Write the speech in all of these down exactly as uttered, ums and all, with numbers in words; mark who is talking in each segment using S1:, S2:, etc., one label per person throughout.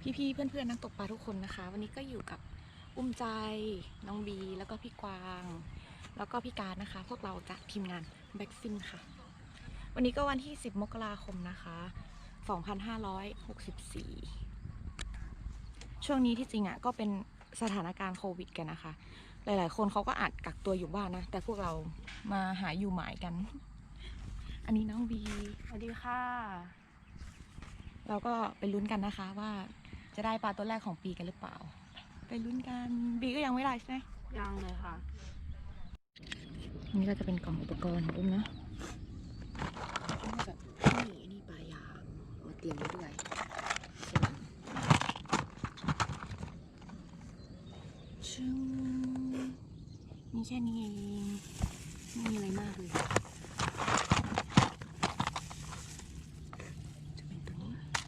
S1: พี่ๆเพื่อนๆนักตกปลาทุกคนนะคะวันนี้ก็อยู่กับอุ้มใจน้องบีแล้วก็พี่กวางแล้วก็พี่การนะคะพวกเราจากทีมงานแบ็กฟินค่ะวันนี้ก็วันที่สิบมกราคมนะคะสองพันห้าร้อยหกสิบสี่ช่วงนี้ที่จริงอ่ะก็เป็นสถานการณ์โควิดกันนะคะหลายๆคนเขาก็อาจกักตัวอยู่บ้านนะแต่พวกเรามาหาอยู่หมายกันอันนี้น้องบีสวัสดีค่ะเราก็ไปลุ้นกันนะคะว่าจะได้ปลาตัวแรกของปีกันหรือเปล่าไปลุ้นกันบีก็ยังไม่ได้ใช่ไหม
S2: ยังเลยค่ะ
S1: อันนี้ก็จะเป็นกล่องอุปกรณ์ของอุ้มนะแบบนี่นี่ปลายางมาเตรียมไว้ด้วยชึ้งมีแค่นี้เองไม่มีอะไรมากเลยจะเป็นตัวนี้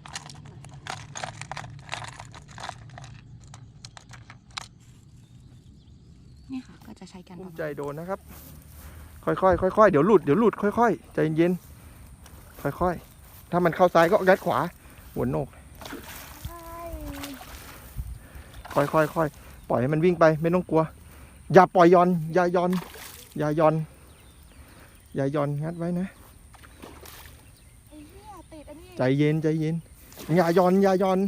S1: นี่ค่ะก็จะใช้กันประมาณ
S3: ใจโดนนะครับค่อยๆค่อยๆเดี๋ยวหลุดเดี๋ยวหลุดค่อยๆใจเย็นค่อยๆถ้ามันเข้าซ้ายก็ยัดขวาหัวโหนกค่อยๆค่อยปล่อยให้มันวิ่งไปไม่ต้องกลัวอย่าปล่อยย่อนอย่าย่อนอย่าย่อนอย่าย่อนงัดไว้นะใจเย็นใจเย็นอย่าย่อนอย่าย่อน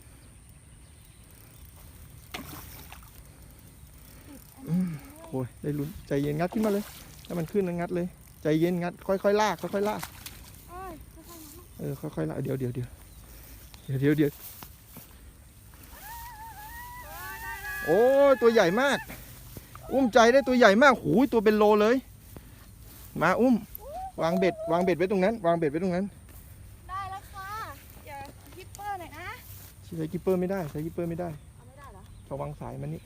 S3: โอ้ยได้ลุ้นใจเย็นงัดขึ้นมาเลยถ้ามันขึ้นแล้วงัดเลยใจเย็นงัดค่อยๆลากค่อยๆลากเออค่อยๆลากเดี๋ยวเดี๋ยวเดี๋ยวเดี๋ยวเดี๋ยวเดี๋ยวโอ้ยตัวใหญ่มากอุ้มใจได้ตัวใหญ่มากหูยตัวเป็นโลเลยมาอุ้มวางเบ็ดวางเบ็ดไว้ตรงนั้นวางเบ็ดไว้ตรงนั้น
S2: ได้แล้วค่ะอย่าฮิปเปอร์หน่อยนะ
S3: ใช้กิปเปอร์ไม่ได้ใช้กิปเปอร์ไม่ได้
S2: เอาไม่ได้เหรอ
S3: ระวังสายมันนี่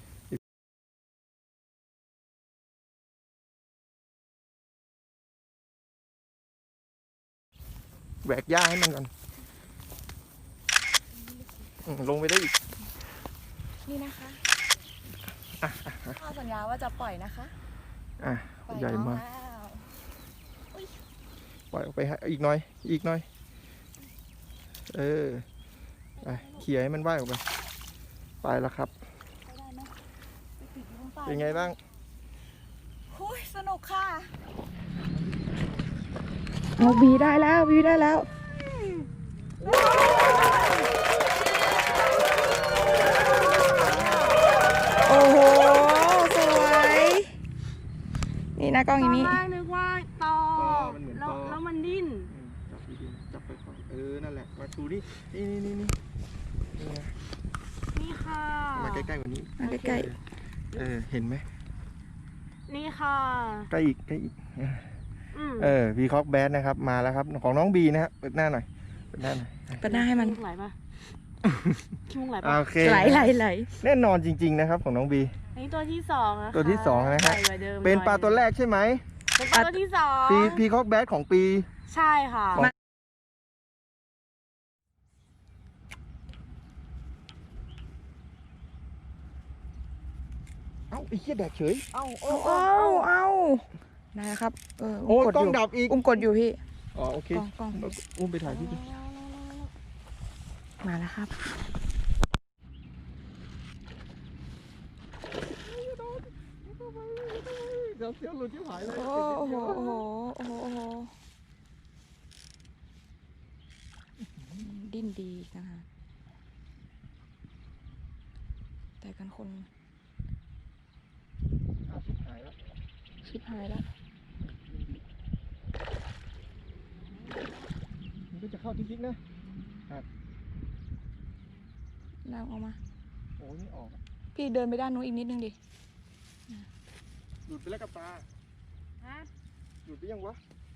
S3: แหวกหญ้าให้มันก่อนลงไปได้อีก
S1: นี่นะคะข้าสัญญาว่าจะปล่อยนะคะ
S3: อ่ะใหญ่มากปล่อยออกไปอีกหน่อยอีกหน่อยเออไปเขี่ยให้มันว่ายออกไปไปแล้วครับเป็นไงบ้าง
S1: โอ้ยสนุกค่ะเอาบีได้แล้วบีได้แล้วโอ้โหสวยนี่นะกล้องอย่างนี้
S2: ตอนแรกนึกว่าตอแล้วแล้วมันดิ้น
S3: จับดีๆจับไปก่อนเออนั่นแหละมาดูนี่นี่นี่นี่นี่
S2: นี่ค่ะ
S3: มาใกล้ๆกว่านี้
S1: มาใกล้
S3: ๆเออเห็นไหม
S2: นี่ค่ะ
S3: ใกล้อีกใกล้อีกเออวีคอกแบดนะครับมาแล้วครับของน้องบีนะครับเปิดหน้าหน่อยเปิดหน้าหน่อย
S1: เปิดหน้าให้มัน
S2: ไหลปะคิ้วไหลปะ
S3: โอเค
S1: ไหลไหลไหล
S3: แน่นอนจริงๆนะครับของน้องบี
S2: อันนี้ตัวที่สองนะ
S3: ตัวที่สองนะฮะเป็นปลาตัวแรกใช่ไหม
S2: เป็นปลาตัวที่สอง
S3: ปีพีคอกแบดของปี
S2: ใช่ค่ะ
S3: เอ้าไอ้เหี้ยแดกเฉย
S1: เอ้าเอ้าเอ้าเอ้านะครับเออ
S3: โอ้กล้องดับอีก
S1: อุ้มกดอยู่พี่
S3: อ๋อโอเคกล้องอุ้มไปถ่ายพี่ดิ
S1: มาแล้วครับ
S3: เดี๋ยวเสียวหลุดที่หายเลย
S1: โอ้โหโอ้โหโอ้โหโอ้โหดิ้นดีนะคะแต่กันคน
S3: ชิบหายแล้ว
S1: ชิบหายแล้ว
S3: มันก็จะเข้าจริงๆนะ
S1: ลากออกมา
S3: โอ้ยไม่ออก
S1: พี่เดินไปด้านนู้นอีกนิดนึงดิ
S3: หลุดไปแล้วกับตาฮะหลุดไปยังวะ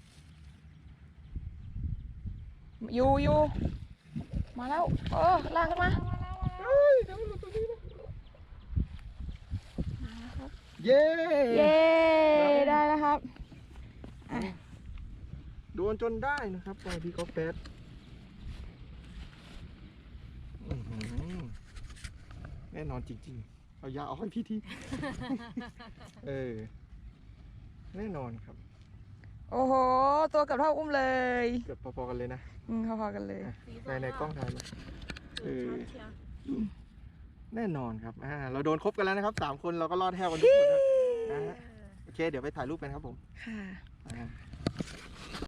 S1: อยู่อยู่มาแล้วเออลากขึ้นมา
S3: เฮ้ยเดี๋ยวหลุดตัวนี้นะ
S1: มาแล้วครับ
S3: เย้
S1: เย้ได้แล้วครับ
S3: โดนจนได้นะครับปลาพีคอกแบดแน่นอนจริงๆเอายาเอาให้พี่ทีเออแน่นอนครับ
S1: โอ้โหตัวกับเท่าอุ้มเลย
S3: เกือบพอๆกันเลยนะ
S1: อืมพอๆกันเลย
S3: ในในกล้องถ่ายมาเออ
S2: ช้อนเชียว
S3: แน่นอนครับอ่าเราโดนครบกันแล้วนะครับสามคนเราก็รอดแทบกันทุกคนนะนะฮะโอเคเดี๋ยวไปถ่ายรูปกันครับผม
S1: ค่ะ
S3: อ่า